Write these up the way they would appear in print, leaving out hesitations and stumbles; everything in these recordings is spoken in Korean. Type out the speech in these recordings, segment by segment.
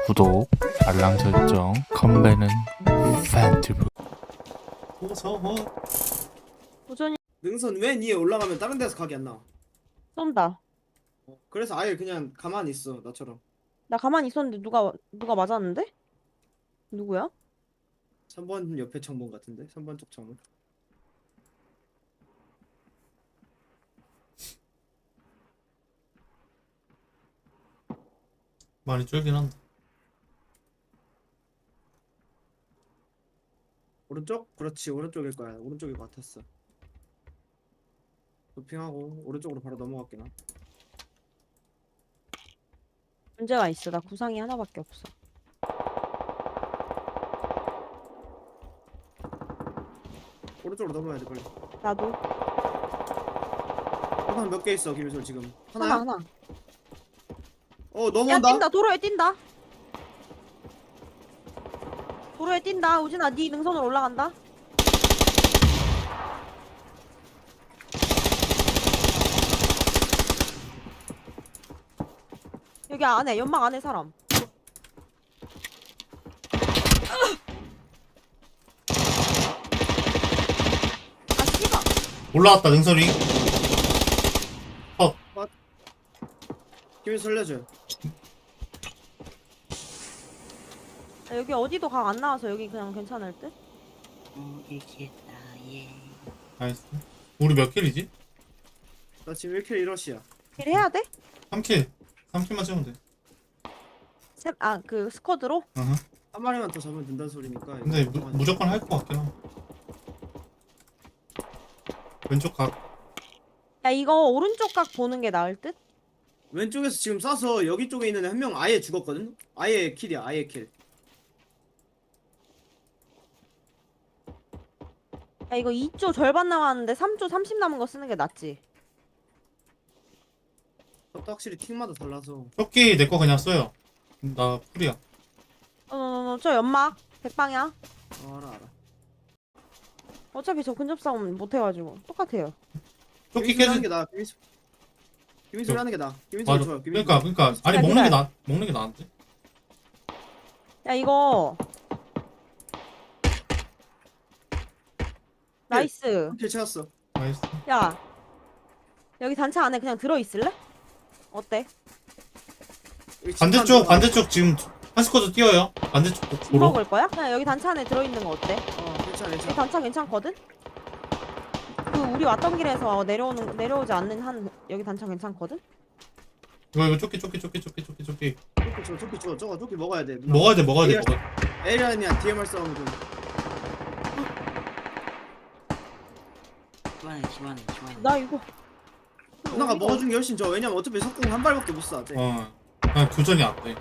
구독, 알람 설정, 컴배는 팬티브. 무서워. 도전이 능선 왜 위에 올라가면 다른 데서 각이 안 나와? 쏜다. 그래서 아예 그냥 가만히 있어 나처럼. 나 가만히 있었는데 누가 맞았는데? 누구야? 3번 옆에 창문 같은데? 3번 쪽 창문. 많이 줄긴 한다. 오른쪽? 그렇지 오른쪽일 거야. 오른쪽일 것 같았어. 도핑하고 오른쪽으로 바로 넘어갔긴 하. 문제가 있어. 나 구상이 하나밖에 없어. 오른쪽으로 넘어야 돼 빨리. 나도 하나 몇 개 있어 김희솔 지금? 하나 하나야? 하나. 어 야 넘어온다? 뛴다. 도로에 뛴다. 도로에 뛴다. 우진아 네 능선으로 올라간다. 여기 안에 연막 안에 사람. 아 씨발. 올라왔다 능선이. 김희솔 살려줘. 아, 여기 어디도 각 안 나와서 여기 그냥 괜찮을 듯? 이겠다 예. 나이스. 우리 몇 킬이지? 나 지금 1킬 1러시야. 길 해야 돼? 3킬. 3킬만 찍으면 돼. 그 스쿼드로? 어허. 한 마리만 더 잡으면 된다는 소리니까. 근데 이거 가만히 무조건 할 것 같긴 하. 왼쪽 각. 야 이거 오른쪽 각 보는 게 나을 듯? 왼쪽에서 지금 쏴서 여기 쪽에 있는 한 명 아예 죽었거든? 아예 킬이야 아예 킬. 야 이거 2조 절반 남았는데 3조 30 남은 거 쓰는 게 낫지. 그것도 확실히 팀마다 달라서. 조끼 내 거 그냥 써요. 나 풀이야. 저 연막 100방향. 알아. 어차피 저 근접 싸움 못 해가지고 똑같아요. 조끼 김희솔 하는 깨지. 게 나아. 김희솔 하는 게 나아. 김희솔 맞아. 좋아. 김희솔. 그러니까 아니 야, 먹는 게 나은데. 야 이거 나이스. 킬 채웠어. 나이스. 야 여기 단차 안에 그냥 들어 있을래? 어때? 여기 집안 들어가. 반대쪽 지금 한 스쿼드 뛰어요. 반대쪽 집 도로. 먹을 거야? 그냥 여기 단차 안에 들어 있는 거 어때? 괜찮아 여기 괜찮아. 단차 괜찮거든? 그 우리 왔던 길에서 내려오지 않는 한 여기 단차 괜찮거든? 이거 조끼. 조끼 줘. 저거 조끼 먹어야 돼. 먹어야 돼. 에이리언이야 DMR 싸움 좀. 집안에 나 이거 누나가 먹어준 게 훨씬 좋아. 왜냐면 어차피 석궁 한 발밖에 못 쏴. 쟤. 그냥 교전이 안 돼.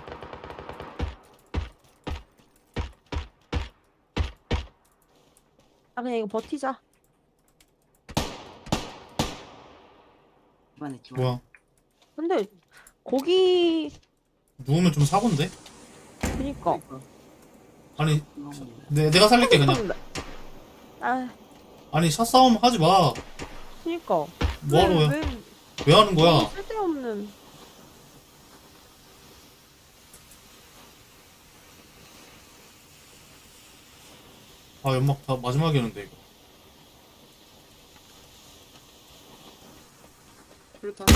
아 그냥 이거 버티자. 집안에 뭐야? 근데 거기 누우면 좀 사고인데? 그니까 아니 내가 살릴게 그냥. 아 아니 샷 싸움 하지 마. 그니까 뭐하러 해? 왜 왜 하는 거야? 쓸데없는. 아 연막 다 마지막이었는데 이거. 그렇다.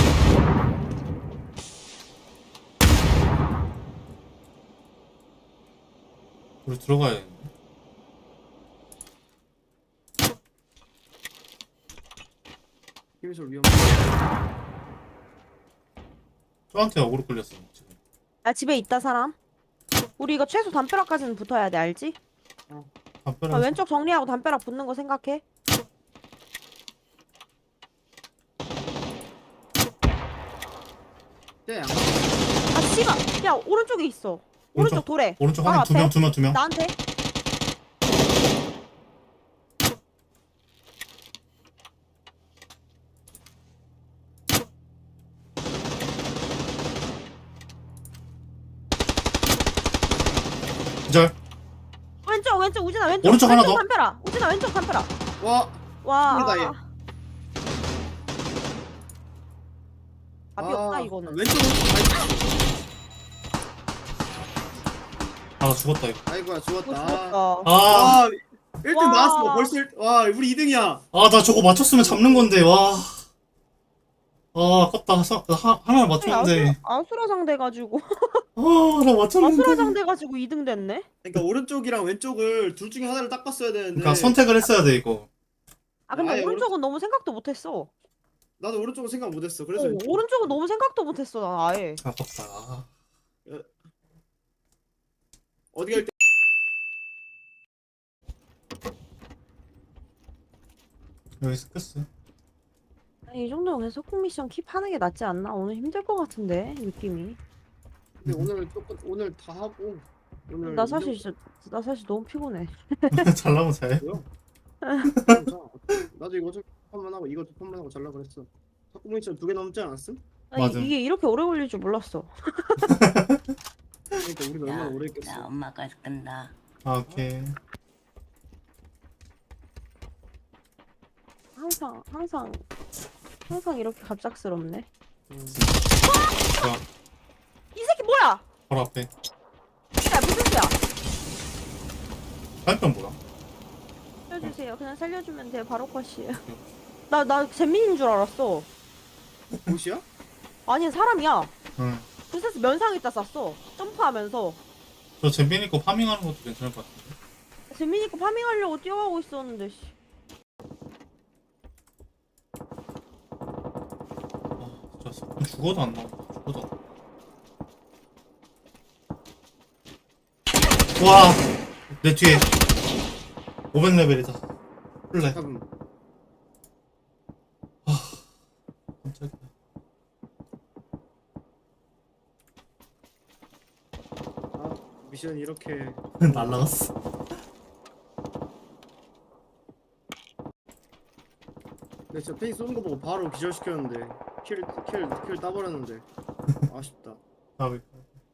우리 들어가야 되는데. 김희솔 위험. 저한테 어그로 끌렸어 지금. 야 집에 있다 사람. 우리 이거 최소 담벼락까지는 붙어야 돼 알지? 담벼락. 왼쪽 정리하고 담벼락 붙는 거 생각해. 쟤 안. 아 씨발. 야 오른쪽에 있어. 오른쪽 돌에. 오른쪽 바로 한 앞에. 두 명. 나한테. 기절. 왼쪽 우진아 왼쪽. 오른쪽 하나 더. 담벼락. 우진아 왼쪽 담벼락. 와. 와. 모르다, 얘. 답이 없다 이거는. 왼쪽으로. 아 죽었다 이거. 아이고야 죽었다. 죽었다. 아, 와 1등 와. 나왔어. 벌써 와 우리 2등이야. 아 나 저거 맞췄으면 잡는 건데 와. 아 아깝다. 하나 맞췄는데. 아수라장 돼가지고 아나 맞췄는데. 아수라장 돼가지고 2등 됐네. 그러니까 오른쪽이랑 왼쪽을 둘 중에 하나를 딱 봤어야 되는데. 그러니까 선택을 했어야 돼 이거. 아 근데 아예 오른쪽은 너무 생각도 못했어. 나도 오른쪽은 생각 못했어. 그래서 왼쪽. 오른쪽은 너무 생각도 못했어 난 아예. 아깝다. 아. 어디 갈 때? 여기서 끝어. 아니, 이 정도면 그냥 석궁 미션 킵하는 게 낫지 않나? 오늘 힘들 것 같은데 느낌이. 근데 오늘 조금 오늘 다 하고 오늘 나 사실 진짜 나 사실 너무 피곤해. 잘 나오면 잘. 뭐야? 나도 이거 좀 판만 하고 이거 두 판만 하고 잘라 그랬어. 탁구 미션 2개 넘지 않았음? 아니, 맞아. 이게 이렇게 오래 걸릴 줄 몰랐어. 그러니까 우리는 얼마나 오래 나 했겠어. 엄마가 끈다. 아 오케이. 항상 이렇게 갑작스럽네. 좋아. 이 새끼 뭐야? 바로 앞에. 야 무슨 소야? 화염병 뭐야? 살려주세요. 그냥 살려주면 돼요. 바로 컷이에요. 나 잼민인 줄 알았어. 옷이야? 아니 사람이야. 응. 그래서 면상에다 쐈어. 점프하면서. 저 잼빈이 거 파밍하는 것도 괜찮을 것 같은데. 잼민이 거 파밍하려고 뛰어가고 있었는데. 씨. 아 진짜 죽어도 안 나온다. 죽어도 안 나온다. 와! 내 뒤에 500레벨이다. 플레. 잡음. 깜짝이야. 아 미션 이렇게. 날라갔어. 근데 진짜 페이 쏘는 거 보고 바로 기절시켰는데 킬 따버렸는데 아쉽다. 아, 왜?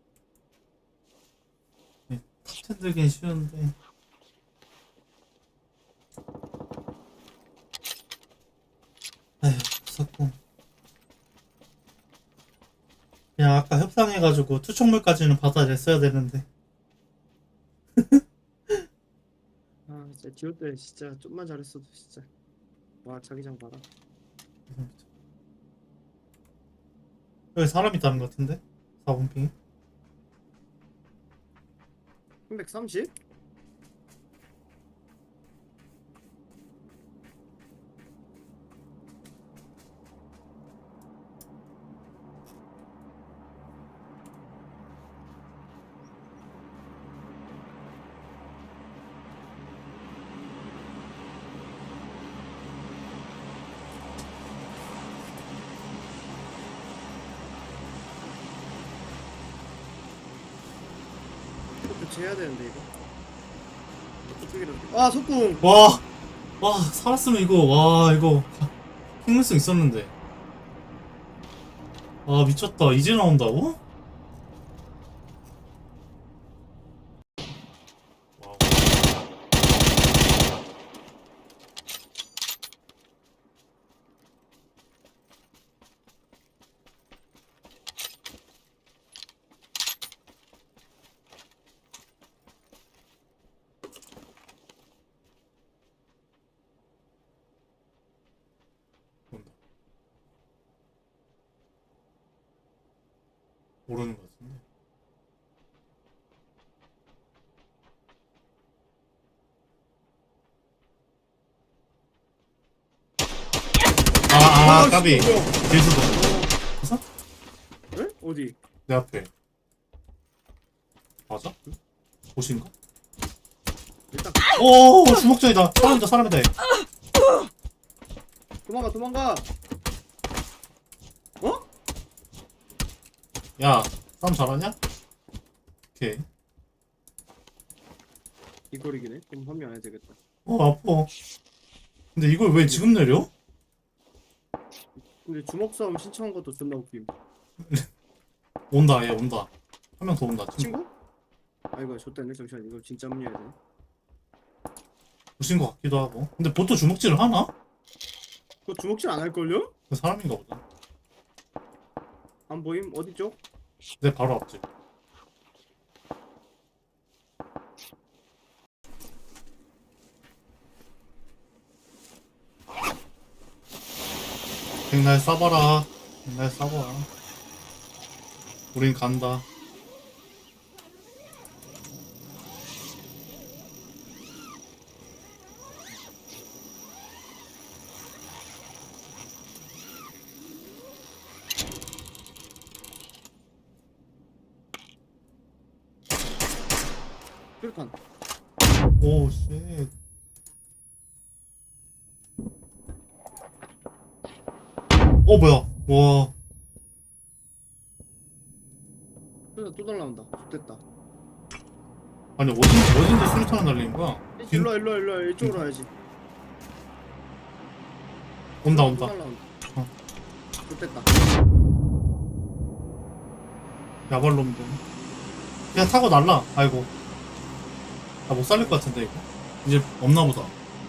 탑텐 들긴 쉬운데. 에휴, 무섭고. 그냥 아까 협상해가지고 투척물까지는 받아냈어야 되는데. 아 진짜 디올 때 진짜 좀만 잘했어도 진짜. 와 자기장 봐라. 여기 사람 있다는 것 같은데? 4번 핑. 330? 교체해야 되는데 이거 어떻게든. 아 속궁. 와! 와, 살았으면 이거, 와, 이거. 생물성 있었는데. 아, 미쳤다. 이제 나온다고? 와우. 온다. 모르는 것 같은데. 까비. 씨, 뭐야. 딜수도. 봤어? 에? 어디? 내 앞에. 맞아? 보신가? 일단 오, 주먹전이다. 사람이다. 얘. 도망가. 어? 야, 싸움 잘하냐? 오케이. 이거리기네. 그럼 한 명 안 해야 되겠다. 아파. 근데 이걸 왜 지금 내려? 근데 주먹 싸움 신청한 것도 존나 웃김. 온다, 얘 온다. 한 명 더 온다. 친구? 아이고 좆됐네. 잠시만 이거 진짜 문의해야 돼. 보신 것 같기도 하고. 근데 보통 주먹질을 하나? 그거 주먹질 안 할걸요? 그 사람인가 보다. 안 보임? 어디 쪽? 내 바로 앞집. 백날 쏴봐라. 백날 쏴봐. 우린 간다. 수류탄. 오, 쉣. 뭐야. 와. 수류탄 또 날라온다. 좋됐다. 아니, 어딘데 수류탄을 날리는 거야? 일로 와, 일로 와, 일로 와. 이쪽으로 와야지. 온다, 또 온다. 날라온다. 어. 좋됐다. 야발놈들. 그냥 타고 날라. 아이고. 나 못 살릴 것 같은데, 이거. 이제 없나 보다.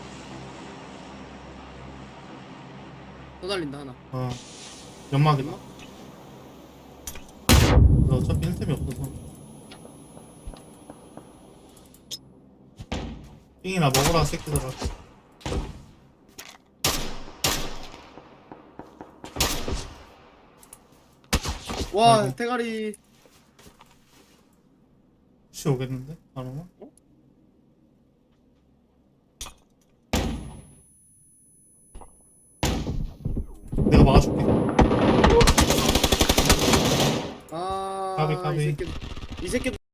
또 날린다, 하나. 연막이다. 연막? 나 어차피 힐템이 없어서. 삥이나 먹어라, 새끼들아. 와, 아이고. 대가리. 씨 오겠는데? 안 오나? 내가 막아줄게. 아, 까비, 까비. 이 새끼